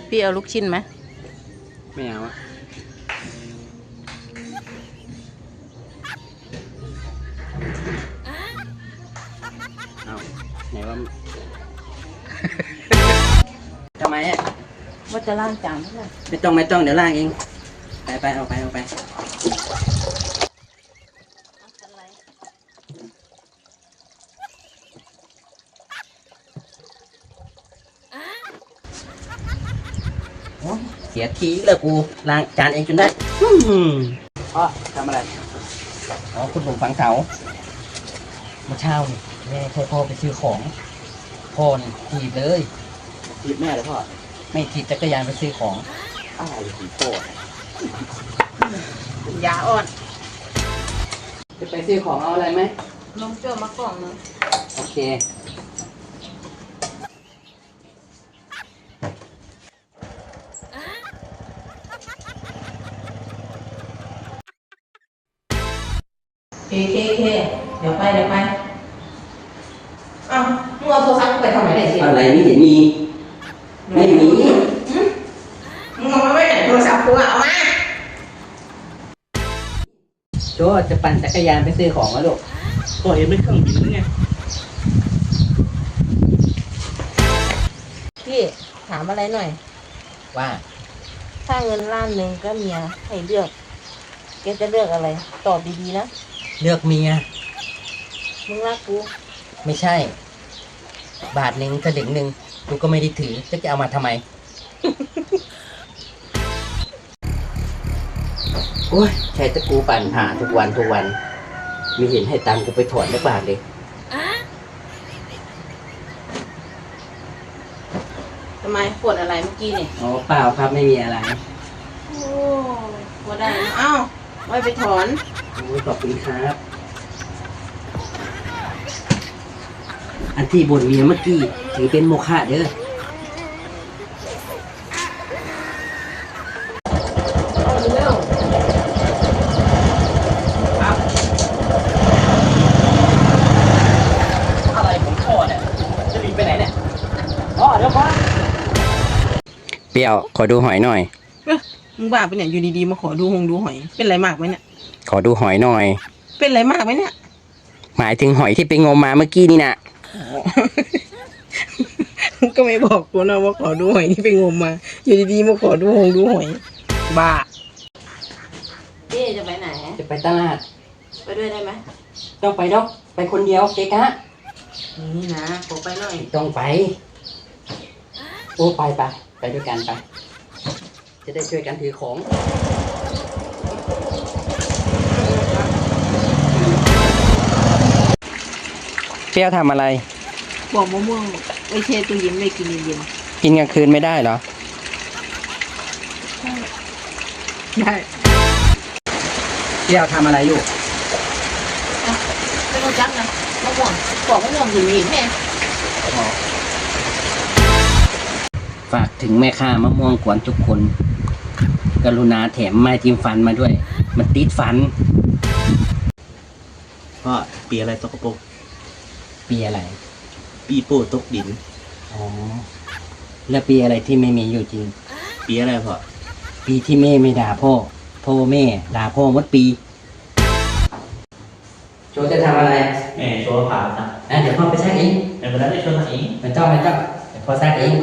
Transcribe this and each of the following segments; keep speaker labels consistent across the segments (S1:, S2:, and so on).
S1: พี่เอาลูกชิ้นไหม
S2: ไม่เอาอะเอาไหนว่าทำไมอ่ะ
S1: ว่าจะล้างจานเท่าไหร่
S2: ไม่ต้องเดี๋ยวล้างเองไปเอาไปเสียทีเลยกูล้างจานเองจนได้พ่อทำอะไรอ๋อคุณผมฝังเสาเมื่อเช้านี่แม่ใช้พ่อไปซื้อของพ่อนี่ถีบเลยถีบแม่เลยพ่อไม่ถีบจักรยานไปซื้อของอะไรถีบพ่อยาอ่อนจะไปซื้อของเอาอะไรไหม
S1: นมเจ้ามากล่องนึง
S2: โอเค
S1: เคเดี๋ยวไปอ้าวมึงเอาโทรศัพท์ไปทำไมได้สิ
S2: อะไรนี่เห็นมีไม่มี
S1: มึงเอามาไว้ไหนโทรศัพท์กูเอามา
S2: โจจะปั่นจักรยานไปซื้อของแล้วลูกก็เห็นไม่เครื่องบินหรือไง
S1: พี่ถามอะไรหน่อย
S2: ว่า
S1: ถ้าเงินล้านหนึ่งก็เมียให้เลือกแกจะเลือกอะไรตอบดีๆนะ
S2: เลือกเมีย
S1: มึงรักกู
S2: ไม่ใช่บาทหนึ่งกระดิ่งหนึ่งกูก็ไม่ได้ถือจะเอามาทำไมโอ้ยใช้ตะกูปั่นหาทุกวันมีเห็นให้ตังกูไปถอนได้บาทเลย
S1: ทำไมปวดอะไรเมื่อกี้เนี่ย
S2: อ๋อเปล่าครับไม่มีอะไร
S1: โอ้ปวดได้เอ้าไว้ไปถอน
S2: โอ้ยขอบคุณครับอันที่บ่นเมียเมื่อกี้ถือเป็นโมฆะเด้ออะไรผมพ่อเนี่ยจะรีบไปไหนเนี่ยอ๋อเดี๋ยวพ่อเปรี้ยวขอดูหอยหน่อย
S1: มึงบ้าไปเนี่ยอยู่ดีๆมาขอดูหอยเป็นไรมากไหมเนี่ย
S2: ขอดูหอยหน่อย
S1: เป็นไรมากไหมเนี่ย
S2: หมายถึงหอยที่ไปงมมาเมื่อกี้นี่นะ
S1: ก็ไม่บอกกูนะว่าขอดูหอยที่ไปงมมาอยู่ดีๆมาขอดูหอยบ้าเจ๊จะไปไหน
S2: จะไปตลาด
S1: ไปด้วยได้ไหม
S2: ต้องไปดอกไปคนเดียวเจ๊กะ
S1: นี่นะขอไปหน่อย
S2: ต้องไปโอ้ไปด้วยกันไปจะได้ช่วยกันถือของเปรี้ยวทำอะไร
S1: บอกมะม่วงไว้เชตู้เย็นไม่กินเย็น
S2: กินกลางคืนไม่ได้เหรอ
S1: ได้
S2: เปรี้ยวทำอะไรอยู่
S1: ไม่รู้จักนะมะม่วงบอกมะม่วงอยู่นี่แม่
S2: ฝากถึงแม่ค้ามะม่วงกวนทุกคนกรุณาแถมไม้จิ้มฟันมาด้วยมันติดฟัน
S3: พ่อปีอะไรตกกระปุก
S2: ปีอะไร
S3: ปีโป้ตกดิน
S2: อ๋อแล้วปีอะไรที่ไม่มีอยู่จริง
S3: ปีอะไรพ่อ
S2: ปีที่แม่ไม่ด่าพ่อแม่ด่าพ่อหมดปีโจจะทำอะไร
S3: แม่โชว์ผ่าจ้ะ
S2: เดี๋ยวพ่อไปซักเอง
S3: เดี๋ยวไปแล้วได้โชว์เอง
S2: ไม่ต้องเดี๋ยวพ่อซักเอง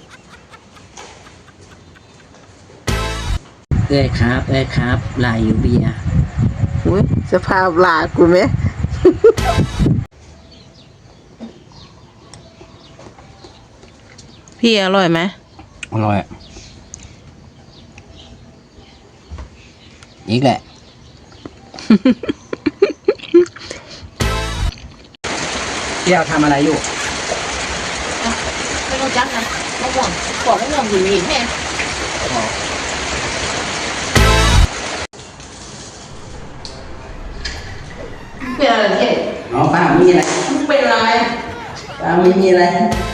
S2: เอ้ยครับลายอยู่เบียร์
S1: อุ้ยสภาพลากูไหมพี่อร่อยไหม
S2: อร่อยอีกแหละเที่ยวทำอะไรอยู่
S1: ไม่รู้จักนะมะม่วงบอกมะม่วงอยู่นี่แม่เป็นอะไรเนี่ย
S2: อ๋อป้ามีอะไร
S1: เป็นอะไร
S2: ป้าไม่มีอะไร